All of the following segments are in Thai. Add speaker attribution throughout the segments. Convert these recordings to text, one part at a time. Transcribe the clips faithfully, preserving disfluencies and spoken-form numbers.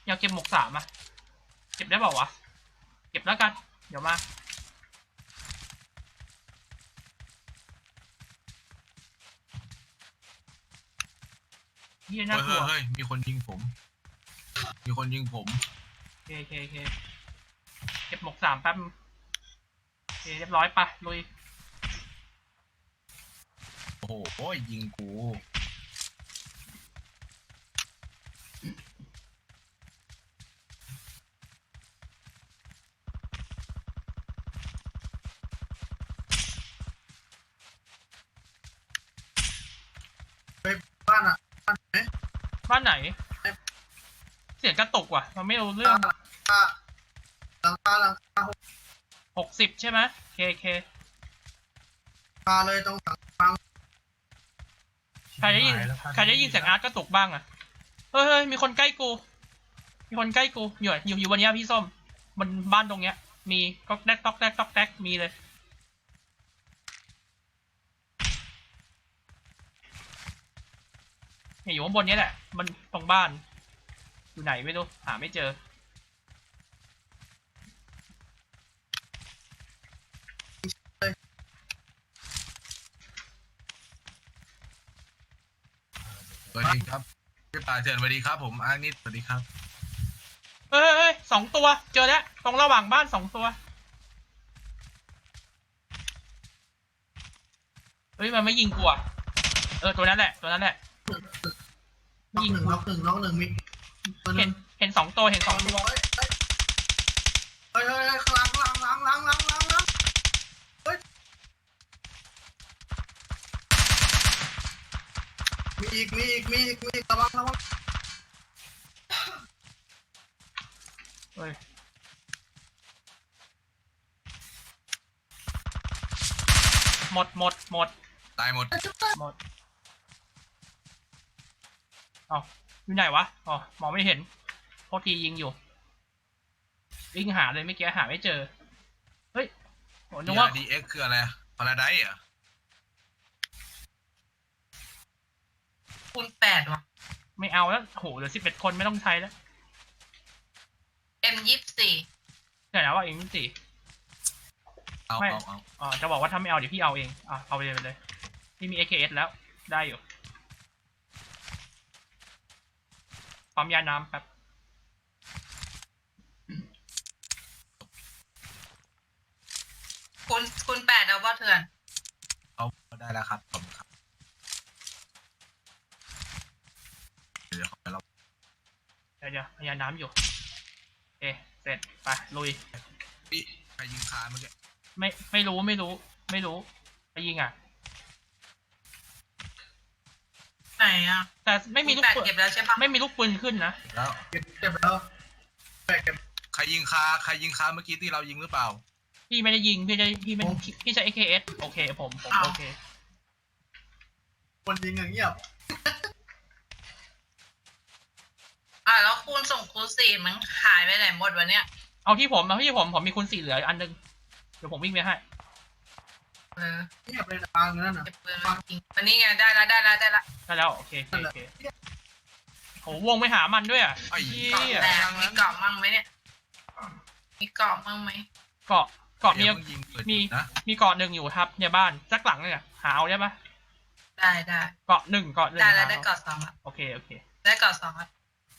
Speaker 1: อยากเก็บหมวกสามอ่ะเก็บได้เปล่าวะเก็บแล้วกันเดี๋ยวมาเฮียน่ากลัว
Speaker 2: เฮ้ยมีคนยิงผมมีคนยิงผม
Speaker 1: โอเคโอเคโอเคเก็บหมวกสามแป๊บโอเคเรียบร้อยปะลุย
Speaker 2: โอ้โหยิงกู
Speaker 3: ไปบ้านอ่ะบ้านไหน
Speaker 1: บ้านไหนเสียงกระตุกว่ะมันไม่รู้เรื่อง
Speaker 3: หลังคาหลังคาหลังคา
Speaker 1: หกสิบใช่ไหมเคเค
Speaker 3: คาเลยตรงหลังคา
Speaker 1: ใครได้ยินใครได้ยินเสียงอาร์ตกระตุกบ้างอ่ะเฮ้ยเฮ้ยมีคนใกล้กูมีคนใกล้กูอยู่อยู่อยู่บนเนี้ยพี่ส้มบนบ้านตรงเนี้ยมีก๊อกแดกก๊อกแดกก๊อกแดกมีเลยเนี่ยอยู่ข้างบนนี้แหละมันตรงบ้านอยู่ไหนไม่รู้หาไม่เจอ
Speaker 2: สวัสดีครับพี่ป่าเชิญสวัสดีครับผมอาร์นิดสวัสดีครับ
Speaker 1: เฮ้ยเฮ้ยสองตัวเจอแล้วตรงระหว่างบ้านสองตัวเฮ้ยมันไม่ยิงกูอ่ะเออตัวนั้นแหละตัวนั้นแหละ
Speaker 3: น็อกหนึ่งน็อกหนึ่งน็อกหนึ่งมีตัวห
Speaker 1: เห็
Speaker 3: นึ่
Speaker 1: น
Speaker 3: ง
Speaker 1: เห็นสองตัวเห็นสองตัว
Speaker 3: เฮ้ยเฮ้ยเฮ้ยข้างหลังข้างหลังหลังหลังหลังหลังเฮ้ยมีอีกมีอีกมีอีกมีอีกระวังระวัง
Speaker 1: เฮ้ยหมดหมดหมด
Speaker 2: ตายหมด
Speaker 1: หมดอ๋ออยู่ไหนวะอ๋อมองไม่เห็นโทษทียิงอยู่วิ่งหาเลยไม่เกี้หาไม่เจอเฮ้ยโหนึกว่า
Speaker 2: ดีเอ็กคืออะไรพาราไดซ์เหรอ
Speaker 4: คูณแปดวะ
Speaker 1: ไม่เอาแล้วโหเหลือสิบเอ็ดคนไม่ต้องใช้แล้ว
Speaker 4: เอ็มยี่สิบสี่
Speaker 1: เดี๋ยวนะว่าเองสี่
Speaker 2: เอา
Speaker 1: ไม่
Speaker 2: เอาเอา
Speaker 1: อ๋อจะบอกว่าถ้าไม่เอาเดี๋ยวพี่เอาเองอ่ะเอาไปเลยไปเลยพี่มี เอ เค เอส แล้วได้อยู่ปั๊มยาน้ำแป๊บ
Speaker 4: คูณคูณแปดเอาป่ะเถื่อน
Speaker 2: เอาได้แล้วครับผมครับเดี๋ยวขอไปเรา
Speaker 1: เดี๋ยวเดี๋ยวพยาน้ำอยู่เอ๊ะเสร็จไปลุย
Speaker 2: พี่ใครยิงคาเมื่อกี้
Speaker 1: ไม่ไม่รู้ไม่รู้ไม่รู้ไปยิงอ่ะ
Speaker 4: ไหนอ่ะ
Speaker 1: แต่ไม่มีลูก
Speaker 4: แปด
Speaker 1: ปืน
Speaker 4: เก็บแล้วใช่ปะ
Speaker 1: ไม่มีลูกปืนขึ้นนะ
Speaker 2: แล้ว
Speaker 3: เก็บเก็บแล้วแบกเก็บ
Speaker 2: ใครยิงคาใครยิงคาเมื่อกี้ที่เรายิงหรือเปล่า
Speaker 1: พี่ไม่ได้ยิงพี่ได้พี่ไม่พี่ใช้ เอ เค เอส โอเคผมผมโอเค
Speaker 3: คนยิงอย่างเงียบ
Speaker 4: อ่ะแล้วคูณส่งคูณสี่มันหายไปไหนหมดวะเนี่ย
Speaker 1: เอาที่ผมเอาที่ผมผมมีคุณสี่เหลืออันนึงเดี๋ยวผมวิ่งไปให้
Speaker 4: เออ
Speaker 3: เงียบเลยนะทางนั้นน่ะ
Speaker 4: เก็บปืนมาจริงวันนี้ไงได้แล้วได้แล้วได้แล้ว
Speaker 1: ได้แล้วโอเคโอเคโอเคโหวงไปหามันด้วยอ่ะ
Speaker 2: ไอ้
Speaker 1: เหี้
Speaker 4: เกาะ
Speaker 1: ย
Speaker 4: แตกมีเกาะมั่งไหมเนี่ยมีเกาะมั่งไหม
Speaker 1: เกาะเกาะมี
Speaker 2: ดี๋ยวพิ่งยิงเปิด
Speaker 1: มี
Speaker 2: นะ
Speaker 1: มีเกาะหนึ่งอยู่ครับในบ้านสักหลังเนี่ยหาเอาได้ปะ
Speaker 4: ได้ได้
Speaker 1: เกาะหนึ่งเกาะหนึ่ง
Speaker 4: ได้แล้ว
Speaker 1: หา
Speaker 4: ได้
Speaker 1: เอา
Speaker 4: เกาะสองแล้ว
Speaker 1: โอเคโอเค
Speaker 4: ได้เกาะสองแล้ว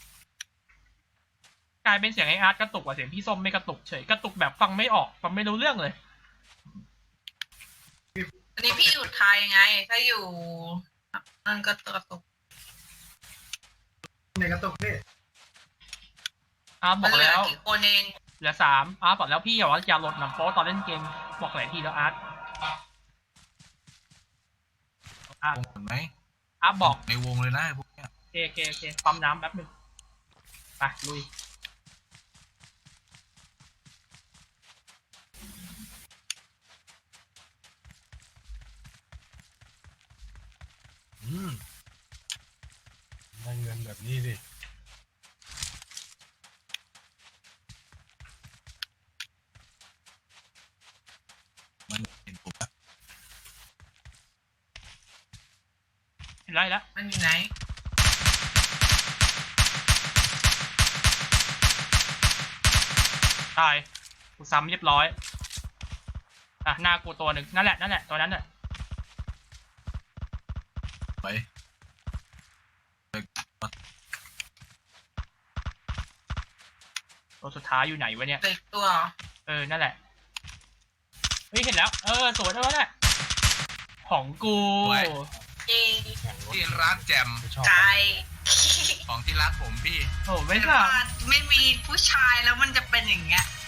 Speaker 1: กลายเป็นเสียงไออาร์ตกระตุกกว่าเสียงพี่ส้มไม่กระตุกเฉยกระตุกแบบฟังไม่ออกฟังไม่รู้เรื่องเลย
Speaker 4: อันนี้พี่อยู่ไทยไง ถ้าอยู่นั่นก็ตัวตก
Speaker 3: ในกระตุกนี่
Speaker 1: อาร์ตบ
Speaker 4: มั
Speaker 1: อน ก
Speaker 4: เหลือ
Speaker 1: แล้ว
Speaker 4: กี่คนเอง
Speaker 1: เหลือสามอาร์ตบอกแล้วพี่อย่าว่าอย่าหลดหนังโป๊ตอนเล่นเกมบอกหลายทีแล้วอาร์ตอาร์ต
Speaker 2: วงเห็นไหม
Speaker 1: อาร์ตบอก
Speaker 2: ในวงเลยนะพวกเนี้ย
Speaker 1: โอเคโอเคโอเคปั๊มน้ำแป๊บหนึงไปลุย
Speaker 5: อืมได้เงินแบบนี้ดิ
Speaker 2: มันเห็นผมอะ
Speaker 1: เห็นไรแล้ว
Speaker 4: มันอยู่ไหน
Speaker 1: ตายกูซ้ำเรียบร้อยอ่ะหน้ากูตัวหนึ่งนั่นแหละนั่นแหละตัวนั้นแหละ
Speaker 2: ไป
Speaker 1: ตัวสุดท้ายอยู่ไหนวะเนี่ย
Speaker 4: เด็กตัวเหรอ
Speaker 1: เออนั่นแหละเฮ้ยเห็นแล้วเออสวยแล้วแหละของกู
Speaker 4: เย้
Speaker 5: แข่งรถ
Speaker 2: ที่รักแจ่ม
Speaker 5: ไม่ชอบ
Speaker 4: ไกล
Speaker 2: ของที่รักผมพี่
Speaker 1: โอ้ไม่
Speaker 4: ไม่
Speaker 1: ค่ะ
Speaker 4: ว่าไม่มีผู้ชายแล้วมันจะเป็นอย่างเงี้ย